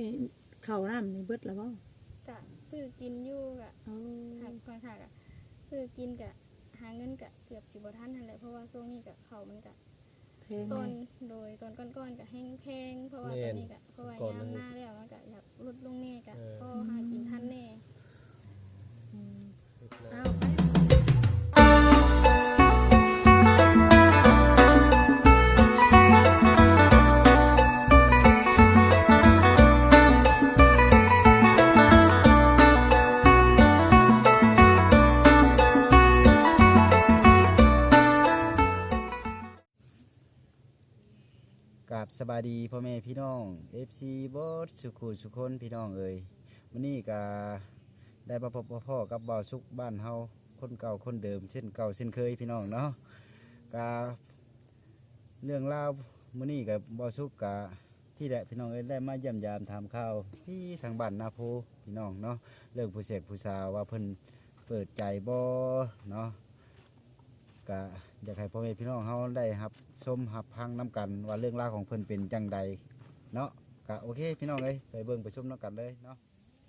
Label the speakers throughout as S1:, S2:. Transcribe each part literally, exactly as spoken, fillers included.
S1: ข้าวน้ำนี่เบิดแล้วบ่
S2: กะซื้อกินอยู่กะหากค่อนข้างกะซื้อกินกะหาเงินกะเกือบสิบ่ทันนั่นแหละเพราะว่าช่วงนี้กะข้าวมันกะต้นโดยต้นก้อนๆกะแห้งแพงเพราะว่าตอนนี้กะเพราะว่ายามหน้าแล้วมันกะอยากลดลงแน่กะก็หากินทันแน่เอา
S3: กับสบายดีพ่อแม่พี่น้อง เอฟ ซี บอสสุขุสุคนพี่น้องเอ่ยวันนี้ก็ได้มาพบพ่อกับบ่าวสุกบ้านเฮาคนเก่าคนเดิมเส้นเก่าเส้นเคยพี่น้องเนาะก็เรื่องราวมื้อนี้กับบ่าวสุกก็ที่แหละพี่น้องเอ้ยได้มาเยี่ยมยามถามข่าวที่ทางบ้านนาโพพี่น้องเนาะเรื่องผู้เสกผู้สาวว่าเพิ่นเปิดใจบ่เนาะก็อยากให้พ่อแม่พี่น้องเขาได้รับชมรับฟังน้ำกันว่าเรื่องราวของเพิ่นเป็นจังใดเนาะก็โอเคพี่น้องเอ้ยไปเบิ่งไปชมน้ำกันเลยเนาะ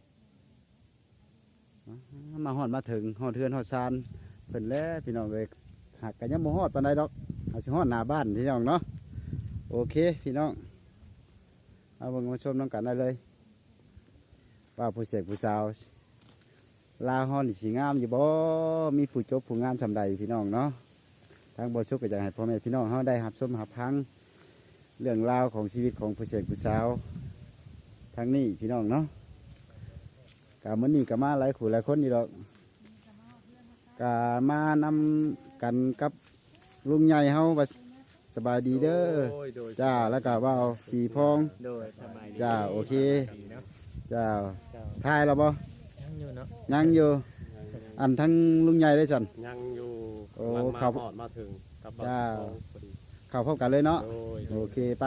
S3: มาฮอดมาถึงฮอดเทือนฮอดซานเพิ่นแล้วพี่น้องเอ้ยหากกันยังบ่ฮอดปานใดดอกหาสิฮอดหน้าบ้านพี่น้องเนาะโอเคพี่น้องเอาเบิ่งมาชมน้ำกันได้เลยว่าผู้เสกผู้สาวลาฮอนสีงามอยู่บ่มีผู้จบผู้งามสำใดพี่น้องเนาะทางบ่ชุกก็อยากให้พ่อแม่พี่น้องเขาได้รับชมรับฟังเรื่องราวของชีวิตของผู้เสกผู้สาวทางนี้พี่น้องเนาะกามื้อนี้ก็มาหลายคู่หลายคนนี่ดอกกามานำกันกับลุงใหญ่เฮาสบายดีเด้อจ้าแล้วก็ว่าสีพองจ้าโอเคจ้าทายแล้วบ่ยังอยู่อันทั้งลุงใหญ่ได้จัน
S4: ยังอยู่
S3: โอ้
S4: เขาหอดมาถึง
S3: จ้าเข้าพบกันเลยเนาะโอเคไป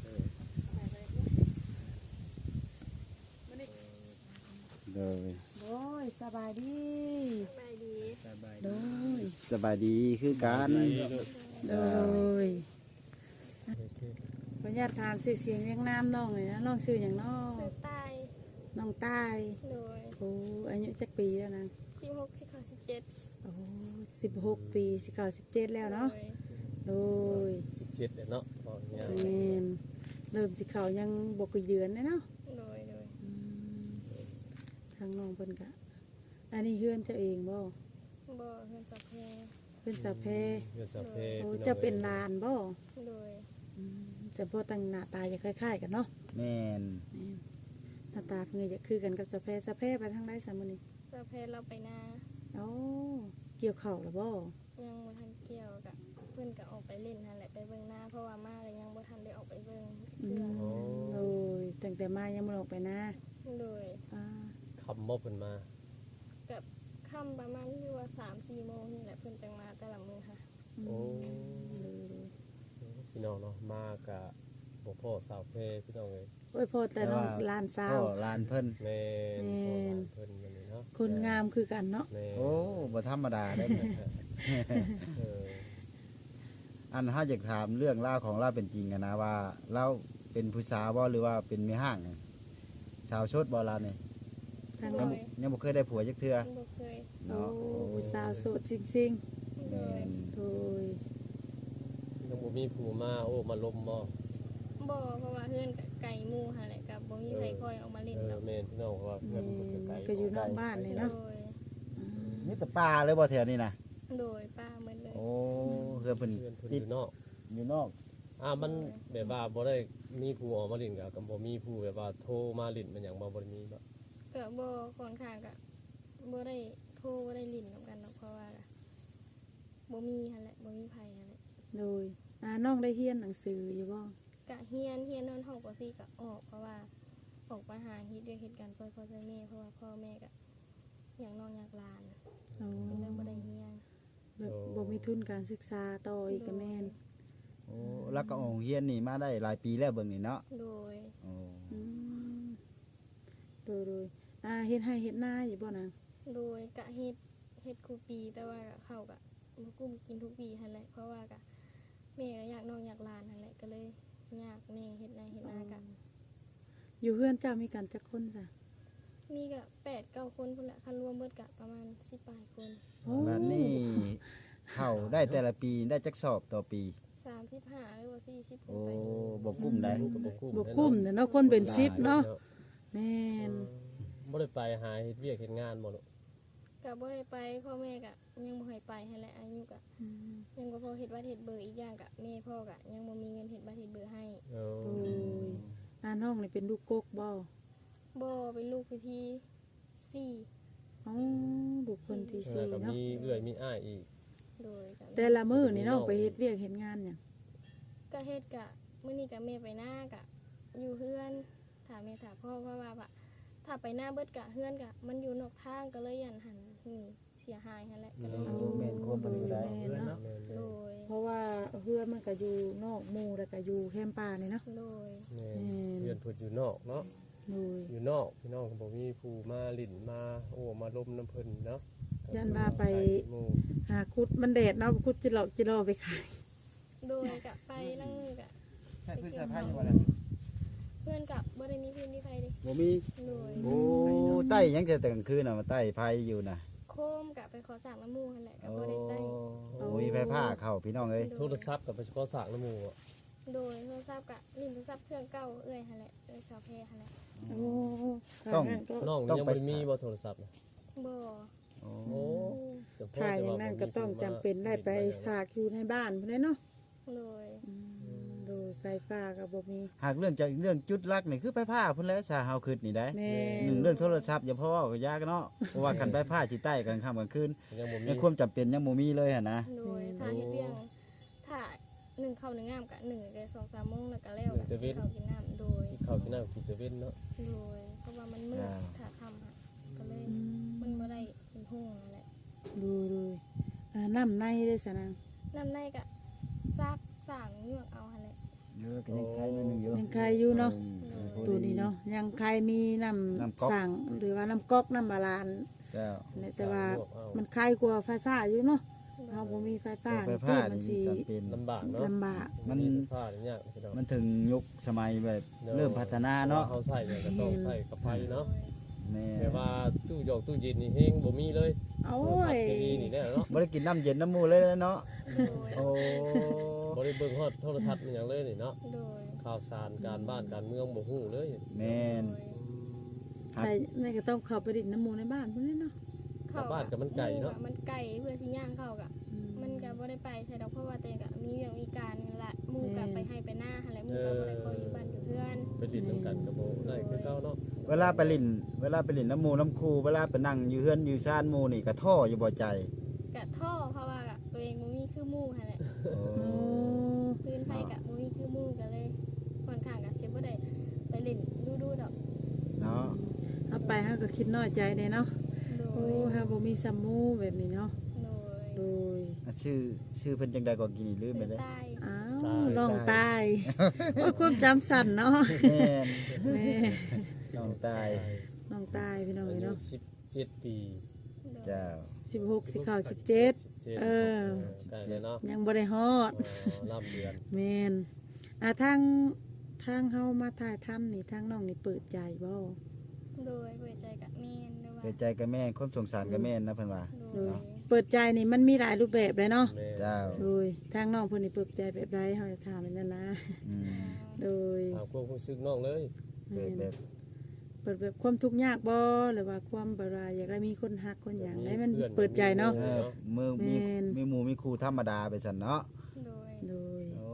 S3: เลย
S1: โอ้ยสบายดี
S2: สบายดี
S1: โดย
S3: สบายดีคือกัน
S1: โดยขออนุญาตถามชื่อเสียงเรียงนามน้องเลยนะน้องชื่ออย่างน้อง
S2: ชื่อใต้
S1: น้องใต้
S2: โดย
S1: โอ้อายุจักปีแล้วนะ
S2: สิบหกสิบห้าสิบเจ็ด
S1: โอ้สิบหกปีสิบเก้าสิบเจ็ดแล้วเนาะโดย
S4: สิบเจ็ดเลยเนาะ
S1: เริ่มเริ่มสิเขายังบกเยือนเลยเนาะ
S2: โดยโดย
S1: ทางน้องเพิ่นกะอันนี้เฮือนเจ้าเองบ่
S2: บ่เฮือนสัพเพ
S1: เฮือนสัพเพ
S4: เฮือนสัพเพ
S1: โอ้จะเป็นลานบ่
S2: โดย
S1: จะบ่ตั้งหน้าตาจะคล้ายๆกันเนาะ
S3: แม่น
S1: หน้าตาเพิ่นจะคือกันกับสัพเพสัพเพไปทางใดซะมื้อนี้
S2: สัพเพเราไปนา
S1: โอ้เกี่ยวข้าวแล้วบ่
S2: ยังบ่ทันเกี่ยวกะเพิ่นก็ออกไปเล่นนั่นแหละไปเบิ่งหน้าเพราะว่ามาแล้วยังบ่ทันได้ออกไปเบิ่ง
S1: โอ้ยตั้งแต่มายังบ่ออกไปนะ
S2: โดย
S1: อ่า
S4: คำบ่เพิ่นมา
S2: กับค่ำประมาณที่ว่า สามสี่โมงนี่แหละเพิ่นจังมาแต่ละมื้อค่ะ
S4: โอ้พี่น้องเนาะมากะบ่พ่อสาวเพพี่น้องเอ้ย
S1: โอ้ยพ่อแต่น้องลานสาว
S3: พ่อลานเพิ่น
S4: แม่นพ่อลานเพิ่นอย่างนี้เนาะ
S1: คนงามคือกันเนาะ
S3: โอ้บ่ธรรมดาได้เอออันถ้าอยากถามเรื่องเล่าของเราเป็นจริงนะว่าเราเป็นผู้สาวบ่หรือว่าเป็นแม่ห้างสาวโสดบ่ล่ะนี่ยังยังบ่เคยได้ผัวจักเทื่อ
S2: บ่เคย
S1: เนาะโอ้ผู้สาวโสดจริงๆ
S3: แม่น
S1: โอ้ย
S4: ยังบ่มีผู้มาโอ้มาลมบ่
S2: บ่เพราะว่าเฮือนไก่หมู่หั่นแหละกับบ่มีใครคอยออกมาเล่นดอก
S4: แม่นพี่น้องเพราะว่าเพื่อน
S1: ไกลก็อยู่นอกบ้านนี่เนาะ
S3: นี่แต่ป่าเลยบ่แถวนี้นะ
S2: โดยป้าเหมือนเลย
S3: โอ้เฮือนเพิ่น
S4: ติดอยู่นอก
S3: อยู่นอก
S4: อ่ามันแบบว่าบ่ได้มีผู้ออกมาเล่นก็ก็บ่มีผู้แบบว่าโทรมาเล่นมันหยังบ่บ่ได้มีบ่
S2: ก็บ่ค่อนข้างก็บ่ได้โทรบ่ได้ลิ้นนำกันเนาะเพราะว่าบ่มีหั่นแหละบ่มีไผหั่นแหละ
S1: โดยอ่าน้องได้เรียนหนังสืออยู่บ่
S2: กะเฮียนเฮียนนอนห้องป.สี่ก็ออกเพราะว่าออกมาหาเฮ็ดด้วยเหตุการณ์ซอยพ่อซอยแม่เพราะว่าพ่อแม่ก็อยากน้องอยากหลานอ๋อเรื่องบ่ได้เฮียน
S1: แบบบ่มีทุนการศึกษาต่ออีกก็แม่น
S3: โอ้แล้วก็ออกเรียนนี่มาได้หลายปีแล้วเบิ่งนี่เนาะ
S2: โดย
S3: โอ้
S1: อืมโดยโดยอ่าเฮ็ดให้เฮ็ดนาอยู่บ่นาง
S2: โดยกะเฮ็ดเฮ็ดทุกปีแต่ว่าเข้าก็บ่กุ้มกินทุกปีหั่นแหละเพราะว่าก็แม่ก็อยากน้องอยากหลานหั่นแหละก็เลยยากแน่เฮ็ดนาเฮ็ดนากะ
S1: อยู่เฮือนเจ้ามีกันจักคนจ้ะ
S2: มีก็แปดเก้าคนพุ่นแหละคันรวมเบิดก็ประมาณสิบปลายคน
S1: โอ้
S3: บัดนี้เข้าได้แต่ละปีได้จักสอบต่อปี
S2: สามสิบห้าหรือว่าสี่สิบ
S3: โอ้
S2: ไป
S3: บ่กุ้มได้
S4: ก็บ่กุ้ม
S1: บ่กุ้มเด้อเนาะคนเป็นสิบเนาะแม่น
S4: บ่ได้ไปหาเฮ็ดเวียกเฮ็ดงานบ่ลูก
S2: ก็บ่ได้ไปพ่อแม่ก็ยังบ่ให้ไปให้แหละอายุก็
S1: อืม
S2: ยังบ่พอเฮ็ดบัตรเฮ็ดเบอร์อีกอย่างก็แม่พ่อก็ยังบ่มีเงินเฮ็ดบัตรเฮ็ดเบอร์ให้
S4: เออ
S1: โอ้ยอาน้องนี่เป็นลูกกกบ่
S2: บ่เป็นลูกพิธีสี่
S1: อ๋อลูกคนที่
S4: แล้
S1: สี่
S4: วก็
S1: เนาะ
S4: มีเอื้อยมีอ้ายอีก
S2: โดยก็
S1: แต่ละมื้อนี่น้องไปเฮ็ดเวียกเฮ็ดงานหยัง
S2: ก็เฮ็ดกะมื้อนี้ก็แม่ไปหน้ากะอยู่เฮือนถามแม่ถามพ่อเพราะว่าว่าถ้าไปหน้าเบิดกะเฮือนกะมันอยู่นอกทางก็เลยยันหันหนีเสียหายหั่นแหละก็เลย
S3: โอ้
S2: อยู่
S3: แม่นความบ่ดีได้
S1: แม่นเนาะ
S4: แม่น
S2: โดย
S1: เพราะว่าเฮือนมันก็อยู่นอกหมู่แล้วก็อยู่แคมป์ป่านี่เนาะ
S2: โดย
S4: แม่น
S1: แม่น
S4: เพื่อนเพิ่นอยู่นอกเนาะ
S1: โดย
S4: อยู่นอกพี่น้องก็บ่มีผู้มาลิ้นมาโอ้มาลมน้ำเพิ่นเนาะ
S1: ยันว่าไป
S4: หมู่
S1: หาคุดมันแดดเนาะคุดจิหลอกจิรอไปขาย
S2: โดยกะไปนั่งมือกะ
S3: ใช่พื้นสะพายอยู่บ่ล่ะ
S2: เพื่อนกับบ่ได้มีพื้นที่ไฟดิ
S3: บ่มี
S2: โดย
S3: โอ้ใต้ยังแต่กลางคืนน่ะมาใต้ไผอยู่น่ะ
S2: โคมกะไปขอสร้างน้ำมูกหั่นแหละก็
S3: โอ้
S2: บ่ได้ได้
S3: โอ้มีไฟผ้าเข้าพี่น้องเอ้ย
S4: โทรศัพท์กับไปเฉพาะสร้างน้ำหมู่อะ
S2: โดยโทรศัพท์กะลิ้นโทรศัพท์เครื่องเก่าเอ้อยหั่นแหละเอ้อยสาวแพรหั่นแหละ
S1: โอ้
S3: ต้อง
S1: ก็
S4: น้อง
S3: ต้อง
S4: ยัง
S3: ไป
S4: บ่ได้มีบ่โทรศัพท์น่ะ
S2: บ่
S3: โอ้
S4: โอ้จำเพาะ
S1: ถ่ายอ
S4: แต่
S1: ย่าง
S4: ว่
S1: นั้น
S4: บ่มี
S1: ก็ต้อง
S4: ผู้
S1: จำเป็นได้ไป
S4: ลิ้น
S1: สากอยู่ในบ้านพุ่นเด้เนาะ
S2: โดย
S1: อืมโดยไฟฟ้าก็บ่มี
S3: หากเรื่องจะเรื่องจุดลักนี่คือไฟผ้าพุ่นแหล้วสาเฮาคิดนี่ได้
S1: แม่
S3: หนึ่งเรื่องโทรศัพท์อย่าเพราะว่าก็ยากเนาะเพราะว่าคันไฟผ้าสิใต้กลางค่ำกลางคืน
S4: ยังบ่มี
S3: ยังความจำเป็นยังบ่มีเลยหั่นนะ
S2: โดยถ้าเฮ็ดเวียงถ้าหนึ่งเข้าหนึ่งงามกะหนึ่งก็สองสามโมงแล้วก็แล้วกะกินข้าวกินน้ำโดย
S4: กินข้าวกินน้ำกินแต่เว้นเนาะ
S2: โดยเพราะว่ามันมืดถ้าค่ำค่ะก็เลย
S1: อืม
S2: มันบ่ได้เป็นห้องนั่นแหละ
S1: ดูดูอ่าน้ำในได้สะนาง
S2: น้ำในกะซากสั่งเงือกเอาหั่นแหละ
S3: เยอะก็ยังใครนิดนึงอยู่
S1: ยังใครอยู่เนาะ
S3: ออพอดี
S1: ตัวนี้เนาะยังใครมีน้
S3: น้ำก๊อก
S1: ำสั่งหรือว่าน้ำก๊อกน้ำบาลาน
S3: เจ้า
S1: เนี่ยแต่ว่า
S4: ลวกเอา
S1: มันใครกว่าไฟฟ้าอยู่เนาะเราบ่มีไฟฟ้า
S3: ไฟ
S1: นี่
S3: ผ้า
S1: มัน
S3: นี่
S1: สิ
S3: จำเป็น
S4: ลำบากเนาะ
S1: ลำบาก
S3: มัน
S4: ไฟฟ้านี่ยากพี่น้อง
S3: มันถึงยุคสมัยแบบเริ่มพัฒนาเนาะ
S4: เขาใส่เนี่ยก็ต้องใส่กับไฟเนาะ
S3: แม่
S4: แต่ว่าตู้หยอกตู้เย็นนี่เฮงบ่มีเลย
S1: โอ้
S4: พัด
S1: ย
S4: ทีวีนี่แน่เนาะ
S3: บ่ได้กินน้ำเย็นน้ำหมูเลยเนาะ
S2: โดย
S3: โอ้
S4: บ่ได้เบิ่งฮอดโทรทัศน์มันหยังเลยนี่เนาะ
S2: โดย
S4: ข่าวสารการบ้านการเมืองบ่ฮู้เลย
S3: แม่น
S1: ใช่แม่ก็ต้องเข้าไปดินน้ำหมูในบ้านพุ่นเด้เนาะ
S2: เข้
S4: บ้านกับมันไก่เนาะ
S2: มันไก่เพื่อที่ย่างเข้ากะ
S1: อืม
S2: มันก็บ่ได้ไปใช่ดอกเพราะว่าตัวเองก็มีเรื่องมีการละหมู่ก็ไปให้ไปหน้าหั่นแหละหมู่ก็บ่ได้คอยอยู่บ้านอยู่เพื่อน
S4: ไปดินนํกันก็บ่ได้คือเก่าเนาะ
S3: เวลาไปลินเวลาไปลินน้ำหมูน้ำคูเวลาไปนั่งอยู่เฮือนอยู่ชานหมูนี่ก็ท่ออยู่บ่ใจ
S2: กะท่อเพราะว่ากะตัวเองบ่มีคือหมู่หั่นแหละ
S3: โอ้
S1: โอ้
S2: พื้นไผกะบ่มีคือหมู่ก็เลยค่อนข้างกะสิบ่ได้ไปเล่นดูๆดอก
S3: เนาะ
S1: เอาไปเฮาก็คิดน้อยใจเด้เนาะ
S2: โด
S1: โอ้
S2: ย
S1: เฮาบ่มีซัมมูแบบนี้เนาะ
S2: โดย
S1: โดย
S3: อ่ะชื่อชื่อเพิ่นจังใดก็กินลืมไปเลย
S2: ใต้
S1: อ้าวลองตายโอ้ยความจำสั้นเนาะ
S3: แม่น
S1: แม่
S3: น้องตาย
S1: ลองตายพี่น้อง
S4: อายุ
S1: เนาะ
S4: สิบเจ็ดปี
S3: เจ้า
S1: สิบหกสิเข้าสิบเจ็ด
S4: 17
S1: เออ
S4: ใกล้แล้วเนาะ
S1: ยังบ่ได้ฮอด
S4: อ๋อลำเดือน
S1: แม่นอ่าทางทางเฮามาถ่ายทำนี่ทางน้องนี่เปิดใจบ่
S2: โดยเปิดใจกะแม่นด้วยว่า
S3: เปิดใจกับแม่นความสงสารกับแม่นนะเพิ่นว่า
S2: โดย
S1: เปิดใจนี่มันมีหลายรูปแบบเลยเนาะ
S4: แม่
S3: เจ้า
S1: โดยทางน้องเพิ่นนี่เปิดใจแบบใดเฮาจะถามนั่นนะ
S3: อืม
S1: โดย
S4: ถามความรู้สึกน้องเลย
S3: เปิดแบบ
S1: เปิดแบบความทุกข์ยากบ่หรือว่าความบ่ว่าอยากได้มีคนฮักคนหยังได้มันเปิดใจเนาะ
S3: เออมือมี
S1: แม่น
S3: มีหมู่มีครูธรรมดาไปซั่นเนาะ
S2: โดย
S1: โดย
S3: โอ้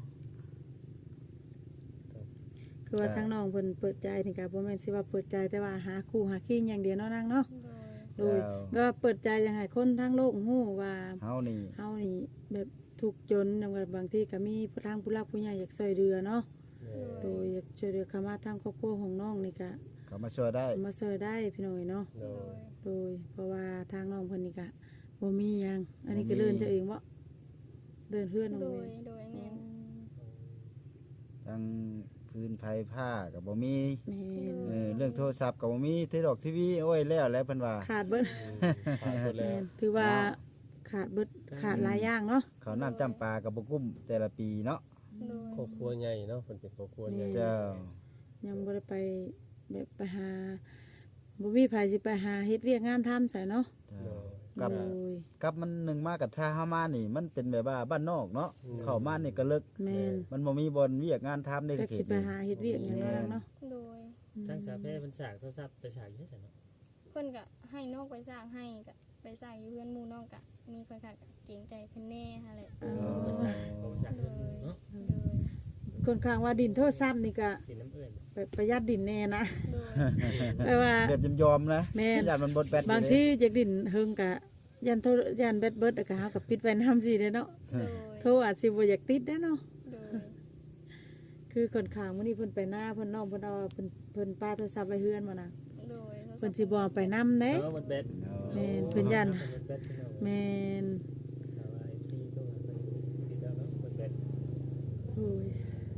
S1: คือว่า
S3: ครับ
S1: ทางน้องเพิ่นเปิดใจนี่ก็บ่แม่นสิว่าเปิดใจแต่ว่าหาคู่หาคิงอย่างเดียวเนาะนางเนาะ
S2: โดย
S1: โดยก็เปิดใจยังให้คนทั้งโลกฮู้ว่า
S3: เฮานี่
S1: เฮานี่แบบทุกข์จนนำกับบางทีก็มีผู้ทางผู้รักผู้ใหญ่อยากช่วยเหลือเนาะ
S4: แม่
S1: โดยอยากช่วยเหลือเข้ามาทางครอบครัวของน้องนี่ก็
S3: เขามาช่วยได้
S1: มาช่วยได้พี่น้อยเนาะ
S4: โด
S2: โด
S4: ย
S2: ย
S1: โดยเพราะว่าทางน้องเพิ่นนี่ก็บ่มีหยัง อันนี้ก็เดินเจ้าเองบ่เดินเฮือนเอา
S2: โด
S1: เอย ง
S2: โดยแม่น
S3: ทั้งพื้นไผผ้าก็บ่มี
S1: แม่น
S3: เออเรื่องโทรศัพท์ก็บ่มีทีดอกทีวีโอ้ยแล้วแล้วเพิ่นว่า
S1: ขาดเบิด
S4: ผ่านหมดแล้
S1: แม่
S4: วน
S1: ถือว่าขาดเบิดขาดหลายอย่างเนาะ
S3: เขาวน้ำจำปากับบ่กุ้มแต่ละปีเนาะ
S2: โดย
S4: ครอบครัวใหญ่เนาะเพิ่นเป็นครอบครัวใหญ่
S3: เจ้า
S1: ยังบ่ได้ไปแบบไปหาบ่มีไผสิไปหาเฮ็ดเวียกงานทำใส่เนาะ
S3: จ้า
S4: โดย
S3: กับ
S1: โดย
S3: กับมันหนึ่งมากับท่าเฮามานี่ มันเป็นแบบว่าบ้านนอกเนาะเข้ามานี่ก็เลิก
S1: แม่น
S3: มันบ่มีบอนเวียกงานทำได้
S1: จัก
S3: เข
S1: สิ
S3: ต
S1: ไปหาเฮ็ดเวียกหยังนั้นเนาะ
S2: โดย
S5: ทางสาแพร่เพิ่นสร้างโทรศัพท์ไปสร้างอยู่ไสเนาะ
S2: เพิ่นก็ให้น้องไปสร้างให้ก็ไปสร้างอยู่เพื่อนหมู่น้องก็มีค่อนข้างก็เกรงใจเพิ่นแน่หั่นแหละ
S1: อ๋อ
S5: ไปสร้างบ่ไปสร้างเพิ่นเนาะ
S2: โดย
S1: ค่อนข้างว่าดินโทรศัพท์นี่ก็
S5: เป็นน้ำเอื้อน
S1: ไปประหยัดดินแน่นะ
S2: โดย
S1: แปลว่า
S3: แบบยอมๆนะ
S1: แม่น
S3: ญาติมันบดแบต
S1: บางทีจากดินเฮิงกะยันโทรยันแบตเบิดแล้วก็เฮาก็ปิดไว้นำสิเด้เนาะ
S2: โดย
S1: โทรอาจสิบ่อยากติดเด้เนาะ
S2: โดย
S1: คือค่อนข้างมื้อนี้เพิ่นไปหน้าเพิ่นน้องเพิ่นเอาเพิ่นเพิ่นป้าโทรศัพท์ไว้เฮือนมานะ
S2: โดย
S1: เพิ่นสิบ่เอาไปนำเด้
S5: เออมันเบ็ด
S1: แม่นเพิ่นยัน
S5: มันเบ็ดพี่น้อง
S1: แม่น
S5: แต่ว่า เอฟ ซี โทรหาเพิ่นติดแล้วเนาะมันเบ็ด
S1: โอ้ย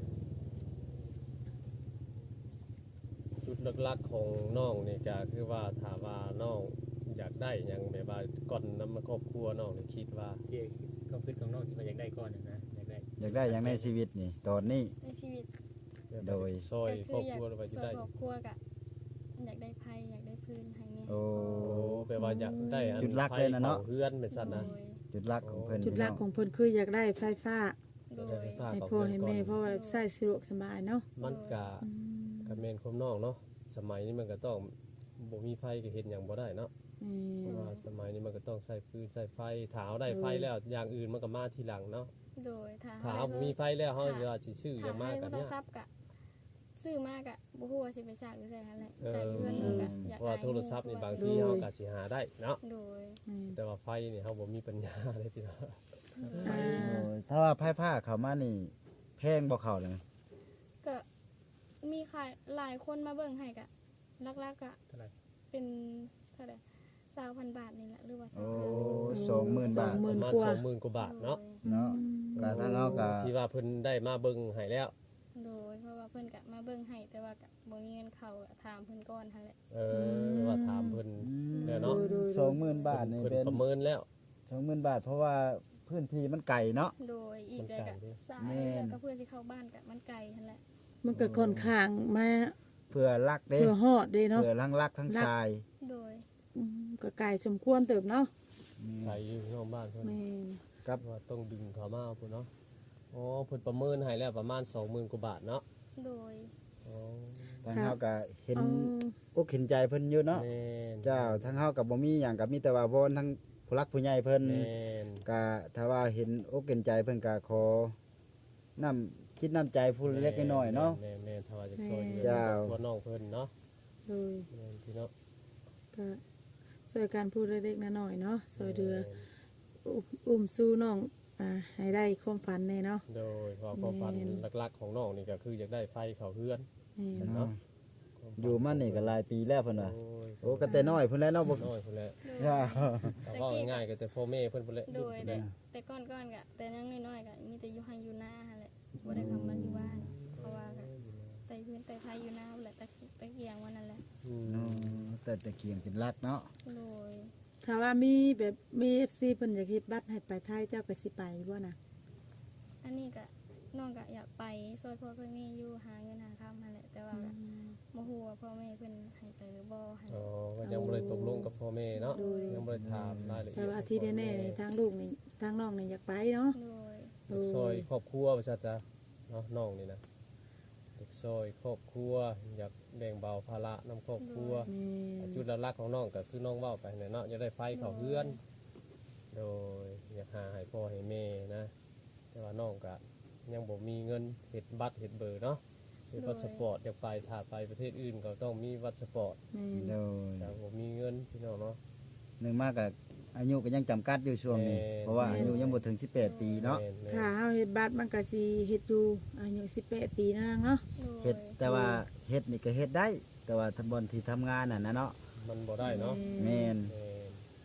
S4: จุดหลักๆของน้องนี่ก็คือว่าถามว่าน้องอยากได้หยังแบบว่าก่อนนำมาครอบครัวน้องนี่คิดว่า
S5: ที่ความคิดของน้องที่มันอยากได้ก่อนน่ะนะอยากได้
S3: อยากได้อย่างในชีวิตนี่ตอนนี้
S2: ในชีวิต
S3: โดย
S4: ซอยคร
S2: ก็
S4: อบ
S2: คือ
S4: ค
S2: อยาก
S4: รัวเราไป
S2: ซ
S4: ที่
S2: อย
S4: ได้
S2: ครอบครัวก็อยากได้ไผอยากได้พื้นให้แม่
S3: โอ้
S4: โอ้แปลว่าอยากได้อัน
S3: จุดหลักเลยนะเนาะ
S4: ไฟข้เฮือนเป็นซั่นนะ
S2: โดย
S3: จุดหลักของเพิ่น
S1: จุดหลักของเพิ่นคืออยากได้ไฟฟ้า
S2: โด
S4: ได้
S2: ย
S4: ไฟฟ้า
S1: ให้
S4: กับ
S1: พ่อ
S4: เฮือน
S1: ให้
S4: ก่อ
S1: แม่
S4: น
S1: เพราะว่าใช้สะดวกสบายเนาะ
S4: มันก็ก็แม่นความน้องเนาะสมัยนี้มันก็ต้องบ่มีไฟก็เฮ็ดหยังบ่ได้เนาะ เพ
S1: แม่
S4: ราะว่าสมัยนี้มันก็ต้องใช้ฟืนใช้ไฟถ้าเอาได้ไฟแล้วอย่างอื่นมันก็มาทีหลังเนาะ
S2: โดยถ้า
S4: ถ้า
S2: เฮา
S4: เอา
S2: ได้
S4: มีไฟแล้วเฮาจะว่าสิซื้อหยั
S2: ถ้าง
S4: มาก
S2: ให้
S4: กัน
S2: โทร
S4: เนี่ย
S2: ศัพท์ก็ซื้อมากก็บ่ฮู้ว่าสิไปสร้างอยู่ไสหั่นแหละ
S4: เออ
S2: ใส่เพื่อนก็อยาก
S4: เพราะว่าโทรศัพท์นี่บางทีเฮาก็สิหาได้เนาะ
S2: โดย
S1: แม่น
S4: แต่ว่าไฟนี่เฮาบ่มีปัญญาเลยพี่น้อง
S1: อ่า
S3: โอ้ยถ้าว่าไพ่ผ้าเขามานี่แพงบ่เข้าเลย
S2: ก็มีขายหลายคนมาเบิ่งให้ก็หลักๆก็
S5: เท่าไหร่
S2: เป็นเท่าใดสามพันบาทนี่แหละหรือว่า
S3: โอ้
S2: สองพัน
S3: สองหมื่นบาท
S1: ห
S4: ป
S1: มื่
S4: ระ
S1: น
S4: มาณ
S1: กว่า
S4: สองหมื่นกว่าบาทเนาะ
S3: เนาะก็ทางเฮาก็
S4: ที่ว่าเพิ่นได้มาเบิ่งให้แล้ว
S2: โดยเพราะว่าเพิ่นก็มาเบิ่งให้แต่ว่าก็บ่มีเงินเข้าก็ถามเพิ่นก่อนหั่นแหละ
S4: เออว่าถามเพิ่น เดี๋ยวเนาะ
S3: สองหมื่นบาทนี่
S4: เพิ่น
S3: เป็น
S4: ประเมินแล้ว
S3: สองหมื่นบาท เพราะว่าพื้นที่มันไกลเนาะ
S2: โดยอีก
S4: มัน
S2: ได้
S4: ไกล
S2: ก็
S4: เด้
S2: สาย
S3: แม่น
S2: แล้วก็เพื่อสิเข้าบ้านก็มันไกลหั่นแหละ
S1: มันก็ค่อนข้างมา
S3: เพื่อลักเด้
S1: เพื่อฮอดเด้เนาะ
S3: เพื่อทั้งลักทั้งทราย
S2: โดย
S1: อืมก็ไกลสมควรเติบเนาะ
S4: ใครอยู่ที่ห้องบ้านเพิ่น
S1: แม่น
S3: ครับ
S4: ว่าต้องดึงเขามาพุ่นเนาะอ๋อเพิ่นประเมินให้แล้วประมาณสองหมื่นกว่าบาทเนาะ
S2: โดย
S4: อ๋อ
S3: ทางเฮาก็เห็น
S1: เอา
S3: อกเห็นใจเพิ่นอยู่เนาะ
S4: แม่น
S3: เจ้าทางเฮาก็บ่มีหยังก็มีแต่ว่าวอนทั้งผู้รักผู้ใหญ่เพิ่น
S4: แม่น
S3: ก็ถ้าว่าเห็นอกเห็นใจเพิ่นก็ขอน้ำคิดน้ำใจผู้เล็กน้อยๆเนาะ
S4: แม่นแม่นถ้าว่าจะซอยเหลือ
S3: เจ้า
S4: ตัวน้องเพิ่นเนาะ
S1: โดย
S4: แม่นพี่เนาะ
S1: ก็ช่วยการพูดเล็กๆน้อยๆเนาะช่วยเดืออุ้มอุ้มสู้น้องอ่าให้ได้ความฝันแน่เนาะ
S4: โดยเพราะความฝัน
S1: แม่น
S4: หลักๆของน้องนี่ก็คืออยากได้ไฟเข้าเฮือน
S1: แม่น
S4: เนาะ
S3: อยู่มานี่ก็หลายปีแล้วเพิ่นว่า
S4: โอ้ย
S3: โอ้ก็แต่น้อยเพิ่นแล้วเนาะบ่
S4: น้อยพุ่นแหละ
S2: โดย
S3: เจ้า
S4: แต่ว่าง่ายๆก็แต่พ่อแม่เพิ่นพุ่นแหละ
S2: โดยแต่แต่ก่อนๆก็แต่ยังน้อยๆก็มีแต่อยู่ให้อยู่หน้าหั่นแหละบ่ได้เข้ามาอยู่บ้านเพราะว่าก็ไต่พื้นไต่ไผอยู่หน้าแหละตะกิตะเกียงวันนั้นแหละ
S4: อืม
S3: เนาะแต่ตะเกียงเป็นรักเนาะ
S2: โดย
S1: ถ้าว่ามีแบบมี เอฟ ซี เพิ่นอยากเฮ็ดบัตรให้ไปไทยเจ้าก็สิไปบ่นะ
S2: อันนี้ก็น้องก็อยากไปซอยพ่อเพิ่นแม่อยู่หาเงินหาคำหั่นแหละแต่ว่าก็บ่ฮู้ว่าพ่อแม่เพิ่นให้ไปหรือบ่หั่นแห
S4: อ๋อ
S2: ละ
S4: ก็ยังบ่ได้ตกลงกับพ่อแม่เนาะ
S1: โดย
S4: ยังบ่ได้ถามรายละเอียด
S1: แต่ว่าที่แน่ๆนี่ทางลูกนี่ทางน้องนี่อยากไปเนาะ
S2: โดย
S4: เด็กซอยครอบครัวว่าซั่นจ้ะเนาะน้องนี่นะเด็กซอยครอบครัวอยากแบ่งเบาภาระนํครอบครัว
S1: แม่น
S4: จุดหลักๆของน้องก็คือน้องเว้าไปนั่นเนาะอยากได้ไฟเข้าเฮือน โดยอยากหาให้พ่อให้แม่นะ แต่ว่าน้องก็ยังบ่มีเงินเฮ็ดบัตรเฮ็ดเบอร์เนาะเฮ็ดพาสปอร์ตอยากไปถ้าไปประเทศอื่นก็ต้องมีพาสปอร์ต
S1: แม่น
S3: โดย
S4: แต่บ่มีเงินพี่น้องเนาะ
S3: หนึ่งมากก็อายุก็ยังจำกัดอยู่ช่วงนี้
S4: แม่
S3: เพราะว่าอายุยังบ่ถึงสิบแปดปีเนาะ
S4: แม่นแม่น
S1: ถ้าเฮาเฮ็ดบัตรมันก็สิเฮ็ดอยู่อายุสิบแปดปีนั่นเนาะ
S2: โดย
S3: เฮ็ดแต่ว่าเฮ็ดนี่ก็เฮ็ดได้ แต่ว่าทำบอนที่ทำงานน่ะนะเนาะ
S4: มันบ่ได้เนาะ
S3: แม่น
S4: แม่น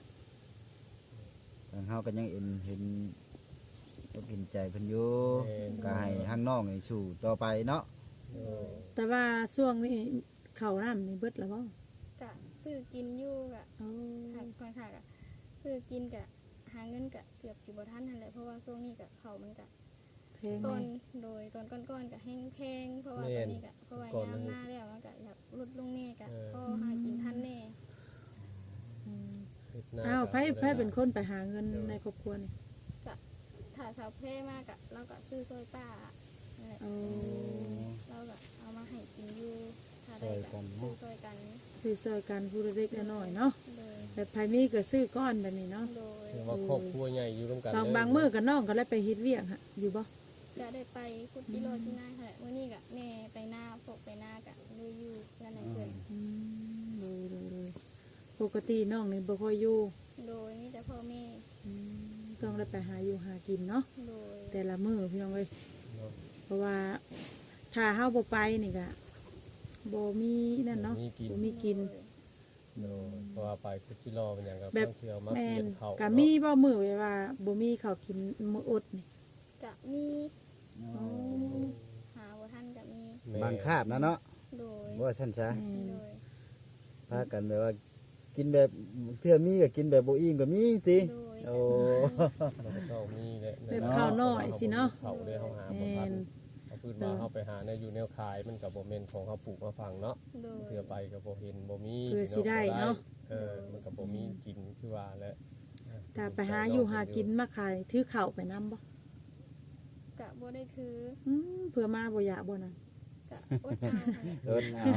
S3: ทางเฮาก็ยังเห็นเห็นอกเห็นใจเพิ่นอยู่
S4: แม่น
S3: ก็ให้ทางน้องนี่สู้ต่อไปเนาะ
S4: โดย
S1: แต่ว่าช่วงนี้ข้าวน้ำนี่เบิดแล้วบ่
S2: ก็ซื้อกินอยู่ก็
S1: เอา
S2: หากค่อนข้างก็ซื้อกินก็หาเงินก็เกือบสิบ่ทันหั่นแหละเพราะว่าช่วงนี้ก็ข้าวมันก็
S1: แแพง
S2: ต้น
S1: แน่
S2: โดยต้นก้อนๆก็แห้งแพงเพราะว่า
S4: แม่
S2: ตอน นนี้ก็เพราะว่า
S4: ก่อน
S2: ยาม
S4: มัน
S2: หน้าแล้วมันก็อยากลดลงแน่ก็
S4: เออ
S2: พอหากินทันแน่
S1: อืม
S4: เฮ็ดหน้
S1: อ้าว
S4: ก็
S1: ไผไผเป็นคนไปหาเงิน
S4: เดี๋ยว
S1: ในครอบครัวนี่
S2: ก็ถ้าสาวแพร่มากอะเราก็ซื้อซอยป้านั่นแหละ
S1: โอ้
S2: เราก็เอามาให้กินอยู่ถ้าได้ก็ซื้อซอยกัน
S1: ซื้อซอยกันผู้เล็กๆน้อยๆเนาะ
S2: โดย
S1: แบบไผมีก็ซื้อก้อนแบบนี้เนาะ
S2: โดย
S4: ถือว่าครอบครัวใหญ่อยู่ร่วมกัน
S1: บาง
S4: เลย
S1: บางมื้อก็น้องก็เลยไปเฮ็ดเวียกฮะอยู่บ่
S2: จะได้ไปคุดกิโลที่หน้าค่ะวันนี้ก็แม่ไปหน้าพวกไปหน้าก็เลยอยู่กันไหนเพื่อน
S1: อืมโดยโดยโดยปกติน้องนี่บ่ค่อยอยู่
S2: โดยมีแต่พ่อแม่
S1: อืมต้องได้ไปหาอยู่หากินเนาะ
S2: โดย
S1: แต่ละมื้อพี่น้องเอ้ย
S4: เนาะ
S1: เพราะว่าถ้าเฮาบ่ไปนี่ก็บ่มีนั่นเนาะ
S4: มีกิน
S1: บ่มีกิน
S4: โดยเพราะว่าไปคุจิรอเป็นอย่างกับ
S1: แบบ
S4: เที่ยวมา
S1: แม่
S4: เปลี่ย
S1: น
S4: นเขา
S1: ก็มีบ่มื้อไว้ว่าบ่มีข้าวกินมื้ออดนี่
S2: ก็มี
S3: อ๋อ
S2: หาว่าท่านก็มี
S4: แม่
S3: บางคาบนะเนาะ
S2: โดย
S3: ว่าซั่นซะ
S1: แม่น
S2: โดย
S3: พากันแบบว่ากินแบบเทื่อมีก็กินแบบบ่อิ่มก็มีติ
S2: โดย
S3: โอ้
S4: มันก็ต้องมีแหละ
S1: แบบข้าวน้อยสิเนาะ
S4: เขาได้เฮาหาบ่
S1: แม่
S4: ทัน
S1: น
S4: เอาพื้นมาเฮาไปหาในอยู่แนวขายมันก็บ่แม่นของเฮาปลูกมาฝังเนาะ
S2: โดย
S4: เทื่อไปก็บ่เห็นบ่มี
S1: เพื่อสิได้เนาะ
S4: เออมันก็บ่มีกินคือว่าแหละ
S1: ถ้าไปหาอยู่หากินมาขายถือข้าวไปนํบ่
S2: กะบ่ได้ถือ
S1: อืมเพื่อมาบ่อยากบ่นะ
S2: กะอดเอาค่ะ
S3: เอิ้นเอา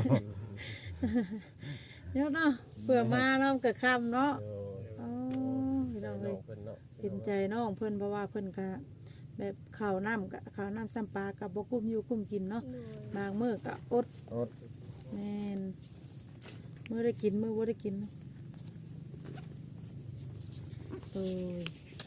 S1: เดี๋ยวเนาะเพื่อมาเนาะก็ค่ำเนาะ
S4: เออ
S1: อ๋อพี่น้อง
S4: น้
S1: เอ้
S4: อย งเพิ่นเนาะ
S1: เห็นใจน้องเพิ่นเพราะว่าเพิ่นก็แบบข้าวน้ำก็ข้าวน้ำซ้ำปลาก็บ่กุ้มอยู่กุ้มกินเนาะ
S2: โดย
S1: บางมื้อก็อด
S3: อด
S1: แม่นมื้อได้กินมื้อบ่ได้กินเนาะโอ้ย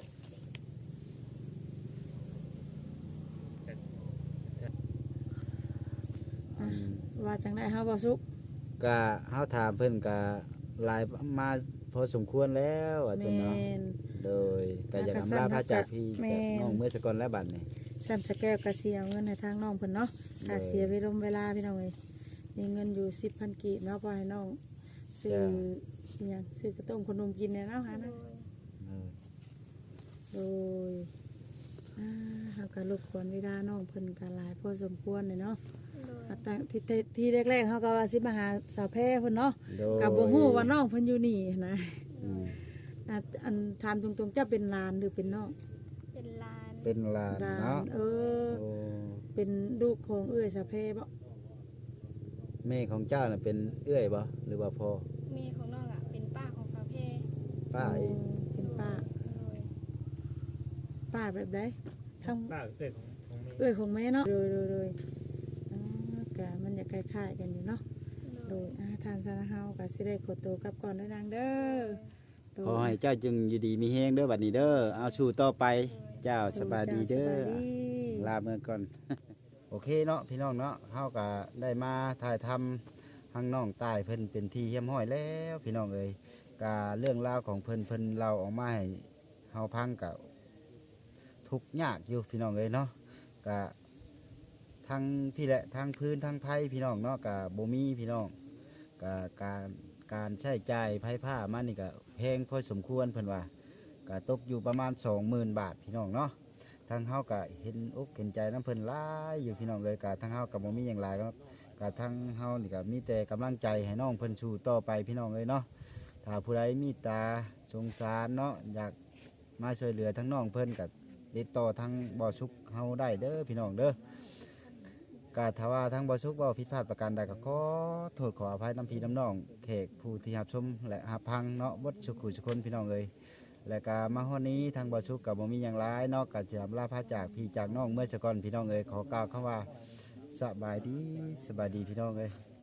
S1: อ่ะว่าจังได๋เฮาบ่สุก
S3: ก็เฮาถามเพิ่นก็หลายมาพอสมควรแล้วว่าซั่น
S1: แม่
S3: เนาะ
S1: น
S3: โดยก็อยากอำลาพระจากพี่
S1: แม่
S3: จาก
S1: น
S3: น้องเมื่อสกอนและบัดนี่
S1: ซ้ำสแก้วก็สิเอาเงินให้ทางน้องเพิ่นเนาะค่าเสียเวลาเวลาพี่น้องเอ้ยมีเงินอยู่ สิบพัน กีบเนาะพอให้น้องซื้ออิหยังซื้อกระต้มขนมกินเนี่ยเนาะหา
S2: โด
S1: นะ
S2: ย
S3: เออ
S1: โดยอ่าเฮาก็รบกวนเวลาน้องเพิ่นก็หลายพอสมควรเลยเนาะ
S2: โดย
S1: อ่าตั้งที่ที่ที่แรกๆเฮาก็ว่าสิมาหาสาวแพร่เพิ่นเนาะ
S3: โดย
S1: ก็บ่ฮู้ว่าน้องเพิ่นอยู่นี่นะ
S3: อืม
S1: อ่ะอันถามตรงๆเจ้าเป็นหลานหรือเป็นน้อง
S2: เป็นลาน
S3: เป็นหลาน
S1: หลา
S3: เนาะ
S1: นเออ
S3: โอ้
S1: เป็นลูกของเอื้อยสาวแพร่บ่
S3: แม่ของเจ้าน่ะเป็นเอื้อยบ่หรือว่าพ่อ
S2: แม่ของน้องอ่ะเป็นป้าของสาวแพร่
S3: ป้าเอง
S1: เป็นป้า
S2: โดย
S1: ป้าแบบใดทั้ง
S5: ป้าเกิดของของแม่
S1: เอื้อยของแม่เนาะโดยโดยโดยอ่ากะมันจะคล้ายๆกันอยู่เนาะ
S2: โด
S1: โด
S2: ย
S1: ยอาทานสารเฮากะสิได้ขอตัวกลับก่อนเด้อนางเด้อโดย
S3: ขอให้เจ้าจึงอยู่ดีมีแฮงเด้อบัดนี้เด้อเอาสู่ต่อไปเจ้าสบายดีเด้อ
S1: สบายดี
S3: ลาเมื่อก่อน โอเคเนาะพี่น้องเนาะเฮาก็ได้มาถ่ายทำทางน้องตายเพิ่นเป็นที่เฮียมห้อยแล้วพี่น้องเอ้ยกาเรื่องราวของเพิ่นเพิ่นเราออกมาให้เฮาพังกับทุกข์ยากอยู่พี่น้องเอ้ยเนาะกะทั้งพี่แหละทั้งพื้นทั้งไผ่พี่น้องเนาะกะบ่มีพี่น้องกะการการใช้จ่ายไผ่ผ้ามันนี่ก็แพงพอสมควรเพิ่นว่ากะตกอยู่ประมาณ สองหมื่น บาทพี่น้องเนาะ ทางเฮาก็เห็นอกเห็นใจน้ำเพิ่นหลายอยู่พี่น้องเลยกะทางเฮาก็บ่มีหยังหลายครับกะทางเฮานี่ก็มีแต่กำลังใจให้น้องเพิ่นสู้ต่อไปพี่น้องเลยเนาะถ้าผู้ใดมีตาสงสารเนาะอยากมาช่วยเหลือทั้งน้องเพิ่นก็ติดต่อทางบ่อสุกเฮาได้เด้อพี่น้องเด้อกะถ้าว่าทางบ่อสุกเว้าผิดพลาดประการใดก็ขอโทษขออภัยน้ำพี่น้ำน้องแขกผู้ที่รับชมและรับฟังเนาะเบดสุขุสุคนพี่น้องเอ้ย และก็มาฮอดนี้ทางบ่อชุกกับบ่มีอย่างไรนอกจากจะลาพาจากพี่จากน้องเมื่อสก่อนพี่น้องเอ้ยขอกล่าวคำว่าสบายดีสบายดีพี่น้องเอ้ย